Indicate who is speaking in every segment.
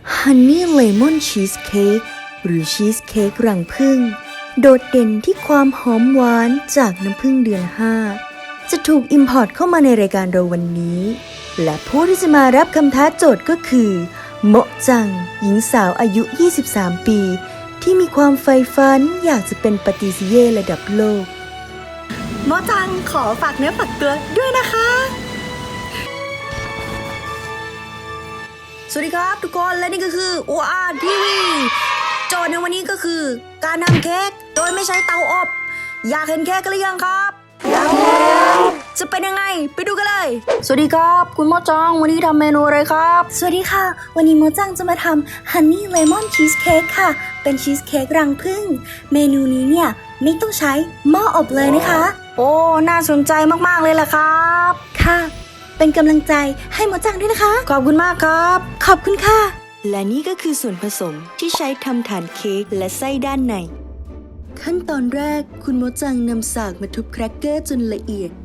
Speaker 1: ฮันนี่เลมอนชีสเค้กหรือชีสเค้กรังผึ้งโดดเด่นที่ความหอมหวานจากน้ำผึ้งเดือน 5จะถูกอิมพอร์ตเข้ามาในรายการเราวันนี้และผู้ที่จะมารับคำท้าโจทย์ก็คือโมะจังหญิงสาวอายุ 23 ปีที่มีความใฝ่ฝันอยากจะเป็นปาติซิเย่ระดับโลก
Speaker 2: โมจังขอฝากเนื้อฝากตัวด้วยนะคะสวัสดีครับทุกคนและนี่ก็คือ OR TV โจทย์ในวันนี้ก็คือการทำเค้กโดยไม่ใช้เตาอบอยากเห็นเค้กกันหรือยังครับอยากแล้วจะเป็นยังไงไปดูกันเลยสวัสดีครับคุณโมจังวันนี้ทำเมนูอะไรครับ
Speaker 1: สวัสดีค่ะวันนี้โมจังจะมาทำฮันนี่เลมอนชีสเค้กค่ะเป็นชีสเค้กรังผึ้งเมนูนี้เนี่ยไม่ต้องใช้หม้ออบเลยนะคะ
Speaker 2: โอ้น่าสนใจมากๆเลยล่ะครับ
Speaker 1: ค่ะเป็นกำลังใจให้โมจังด้วยนะคะ
Speaker 2: ขอบคุณมากครับ
Speaker 1: ขอบคุณค่ะและนี่ก็คือส่วนผสมที่ใช้ทำฐานเค้กและไส้ด้านในขั้นตอนแรกคุณโมจังนำสากมาทุบแครกเกอร์จนละเอียด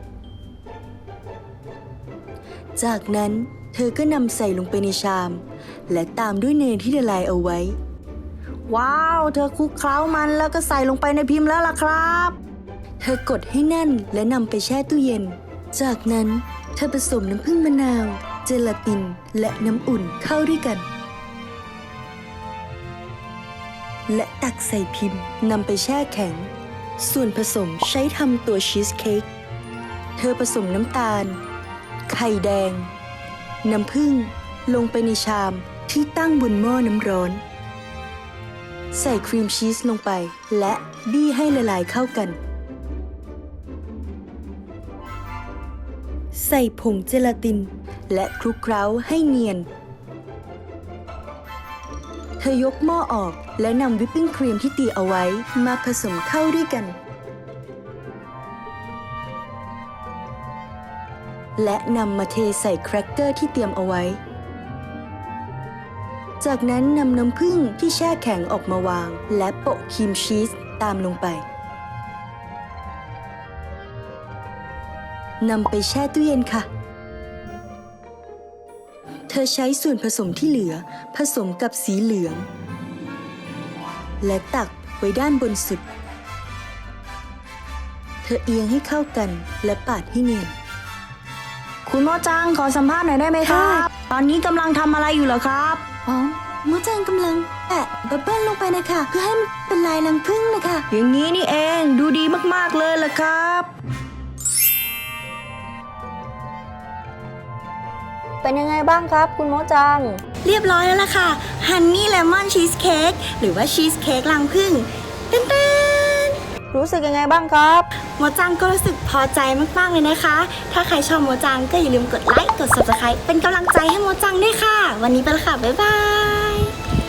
Speaker 1: จากนั้นเธอก็นำใส่ลงไปในชามและตามด้วยเนยที่ละลายเอาไว้
Speaker 2: ว้าวเธอคลุกเคล้ามันแล้วก็ใส่ลงไปในพิมพ์แล้วล่ะครับ
Speaker 1: เธอกดให้แน่นและนำไปแช่ตู้เย็นจากนั้นเธอผสมน้ำผึ้งมะนาวเจลาตินและน้ำอุ่นเข้าด้วยกันและตักใส่พิมพ์นำไปแช่แข็งส่วนผสมใช้ทำตัวชีสเค้กเธอผสมน้ำตาลไข่แดงน้ำผึ้งลงไปในชามที่ตั้งบนหม้อน้ำร้อนใส่ครีมชีสลงไปและบี้ให้ละลายเข้ากันใส่ผงเจลาตินและคลุกเคล้าให้เนียนเธอยกหม้อออกและนำวิปปิ้งครีมที่ตีเอาไว้มาผสมเข้าด้วยกันและนำมาเทใส่แครกเกอร์ที่เตรียมเอาไว้จากนั้นนำน้ำผึ้งที่แช่แข็งออกมาวางและโปะครีมชีสตามลงไปนำไปแช่ตู้เย็นค่ะเธอใช้ส่วนผสมที่เหลือผสมกับสีเหลืองและตักไว้ด้านบนสุดเธอเอียงให้เข้ากันและปาดให้เนียน
Speaker 2: คุณโมจังขอสัมภาษณ์หน่อยได้ไหมครับตอนนี้กำลังทำอะไรอยู่เหรอครับ
Speaker 1: อ๋อโมจังกำลังแปะบับเบิ้ลลงไปนะคะเพื่อให้มันเป็นลายรังผึ้งนะคะ
Speaker 2: อย่างนี้นี่เองดูดีมากๆเลยล่ะครับเป็นยังไงบ้างครับคุณโมจัง
Speaker 1: เรียบร้อยแล้วล่ะค่ะฮันนี่เลมอนชีสเค้กหรือว่าชีสเค้กรังผึ้งเต้น
Speaker 2: รู้สึกยังไงบ้างครับ
Speaker 1: โมจังก็รู้สึกพอใจมากๆเลยนะคะถ้าใครชอบโมจังก็อย่าลืมกดไลค์กด Subscribe เป็นกำลังใจให้โมจังด้วยค่ะวันนี้ไปแล้วค่ะบ๊ายบาย